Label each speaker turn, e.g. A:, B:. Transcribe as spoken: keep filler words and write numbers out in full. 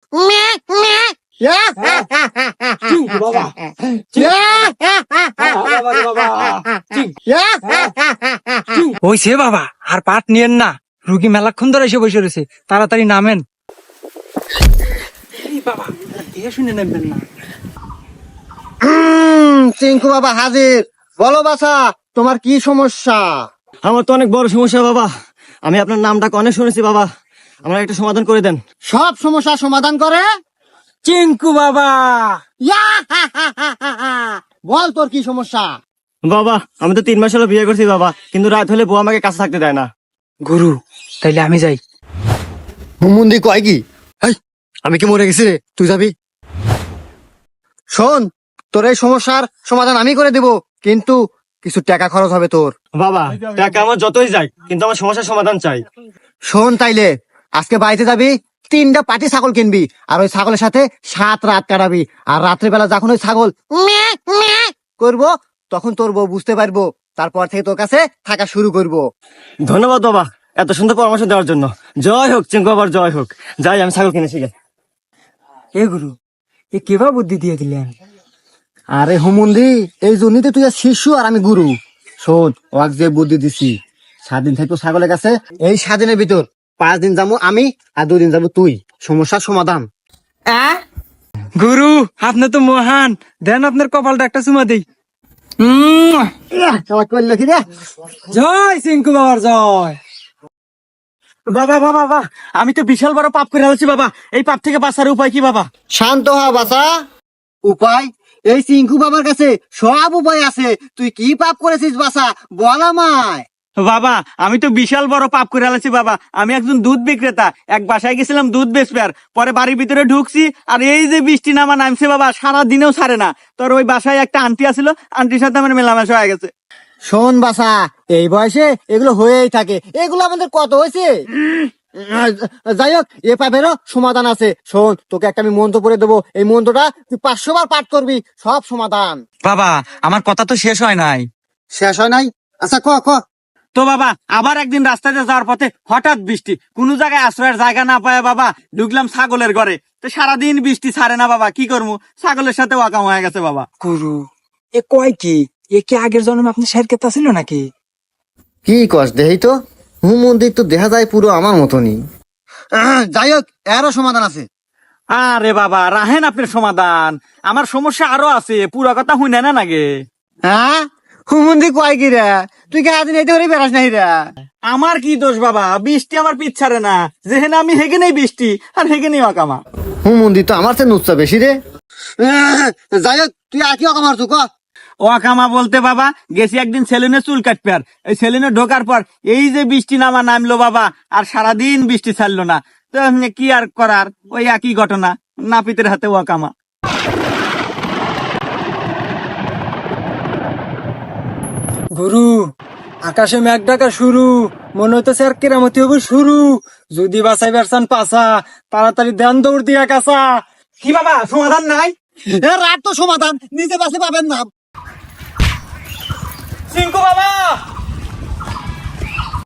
A: হইছে বাবা, আর পাট নিয়েন না, রুগী মেলাক্ষণ ধরে এসে বসে রয়েছে, তাড়াতাড়ি নামেন। বাবা দেখে শুনে নেবেন না।
B: চিঙ্কু বাবা হাজির। বলো বাছা, তোমার কি সমস্যা?
C: আমার তো অনেক বড় সমস্যা বাবা, আমি আপনার নামটা অনেক শুনেছি বাবা, আমার একটা সমাধান করে দেন।
B: সব সমস্যা সমাধান করে
A: চিঙ্কু বাবা।
B: বল তোর কি সমস্যা?
C: বাবা আমি তো তিন মাস হলো বিয়ে করছি বাবা, কিন্তু রাত হলে বউ আমাকে কাছে থাকতে দেয় না।
A: গুরু তাইলে আমি যাই।
B: হুমুন্দি কয় কি? আমি কি মরে গেছি রে? তুই যাবি? শোন, তোর এই সমস্যার সমাধান আমি করে দেব, কিন্তু কিছু টাকা খরচ হবে তোর।
C: বাবা টাকা আমার যতই যাই, কিন্তু আমার সমস্যার সমাধান চাই।
B: শোন তাইলে, আজকে বাড়িতে যাবি, তিনটা পাটি ছাগল কিনবি, আর ওই ছাগলের সাথে সাত রাত কাটাবি, আর রাত্রেবেলা যখন ওই ছাগল ম্যাঁ ম্যাঁ করবো, তখন তোর বউ বুঝতে পারবো, তারপর থেকে তোর কাছে থাকা শুরু করবো।
C: ধন্যবাদ বাবা এত সুন্দর পরামর্শ দেওয়ার জন্য। জয় হোক চিঙ্কু বাবার, জয় হোক। যাই আমি ছাগল কিনেছি গে।
A: এ গুরু, এ কেবা বুদ্ধি দিয়ে দিলেন?
B: আরে হুমুন্দি, এই জন্যই তো তুই আর শিশু আর আমি গুরু। শোন, ওয়াক যে বুদ্ধি দিছি, সাত দিন থাকবো ছাগলের কাছে, এই সাত দিনের ভিতর পাঁচ দিন যাবো আমি, আর দুই দিন যাবো তুই। সমস্যার সমাধান।
A: গুরু আপনি তো মহান, দেন আপনার কপালটা একটা চুমা দেই।
B: করলো কি রে?
A: জয় চিঙ্কু বাবার জয়।
C: বাবা বাবা বাবা, আমি তো বিশাল বড় পাপ করে আছি বাবা, এই পাপ থেকে বাঁচার উপায় কি বাবা?
B: শান্ত হ বাছা। উপায়? এই চিঙ্কু বাবার কাছে সব উপায় আছে। তুই কি পাপ করেছিস বাছা, বল আমায়।
C: বাবা আমি তো বিশাল বড় পাপ করে আছি বাবা, আমি একজন দুধ বিক্রেতা, এক বাসায় গেছিলাম দুধ বেচবার, পরে বাড়ির ভিতরে ঢুকছি, আর এই যে বৃষ্টি নামা নামছে বাবা, সারা দিনেও ছাড়ে না। তোর ওই বাসায় একটা আন্টি আছিল, আন্টির সাথে আমার মেলামেশা হয়ে গেছে।
B: শোন বাছা, এই বয়সে এগুলো হয়েই থাকে, এগুলো আমাদের কত হয়েছে। যাই হোক, এ পাপেরও সমাধান আছে। শোন, তোকে একটা আমি মন্ত্র পড়ে দেবো, এই মন্ত্রটা তুই পাঁচশো বার পাঠ করবি, সব সমাধান।
A: বাবা আমার কথা তো শেষ হয় নাই।
B: শেষ হয় নাই? আচ্ছা ক ক।
C: তো বাবা আবার একদিন রাস্তাতে যাওয়ার পথে হঠাৎ বৃষ্টি, কোন জায়গায় আশ্রয়ের জায়গা না পায় বাবা ঢুকলাম ছাগলের ঘরে, তো সারাদিন বৃষ্টি ছাড়ে না বাবা, কি করবো, ছাগলের সাথে ওয়াকাম হয়ে গেছে বাবা।
A: গুরু এ কয় কি? এ কি আগের জন্মে আপনি শের কেতা ছিল নাকি?
B: কি কস দেহি তো, হুম মন্দির তো দেখা যায় পুরো আমার মতনই। যাই হোক, এরও সমাধান আছে।
C: আরে বাবা রাহেন আপনার সমাধান, আমার সমস্যা আরো আছে, পুরো কথা হুই না নাগে।
B: হ্যাঁ, হুমন্দি কয় কি রে? তুই কে আদিন এতে করে বেড়াস নাই রে?
C: আমার কি দোষ বাবা, বৃষ্টি আমার পিছ ছাড়ে না, যেহেনে আমি হেগে নেই বৃষ্টি, আর হেগে নেই ওয়াকামা।
B: হুমন্দি তো আমার চেয়ে নুচ্ছা বেশি রে। যাই হোক, তুই আর কি অকামার তুই ক।
C: ওয়াকামা বলতে বাবা গেছি একদিন সেলুনে চুল কাটবে, আর এই সেলুনে ঢোকার পর এই যে বৃষ্টি নামা নামলো বাবা, আর সারাদিন বৃষ্টি ছাড়লো না, তো এমনি কি আর করার, ওই একই ঘটনা, নাপিতের হাতে ওয়াকামা।
A: গুরু আকাশে মেঘ ডাকা শুরু, মনে হইতেছে আর কেরামতি হবে শুরু। যদি বাঁচাই বেরসান পাছা, তাড়াতাড়ি ধ্যান দৌড় দিয়া কাছা।
C: কি বাবা সমাধান নাই?
B: এ রাত তো সমাধান, নিজে বাসে পাবেন না।
C: চিঙ্কু বাবা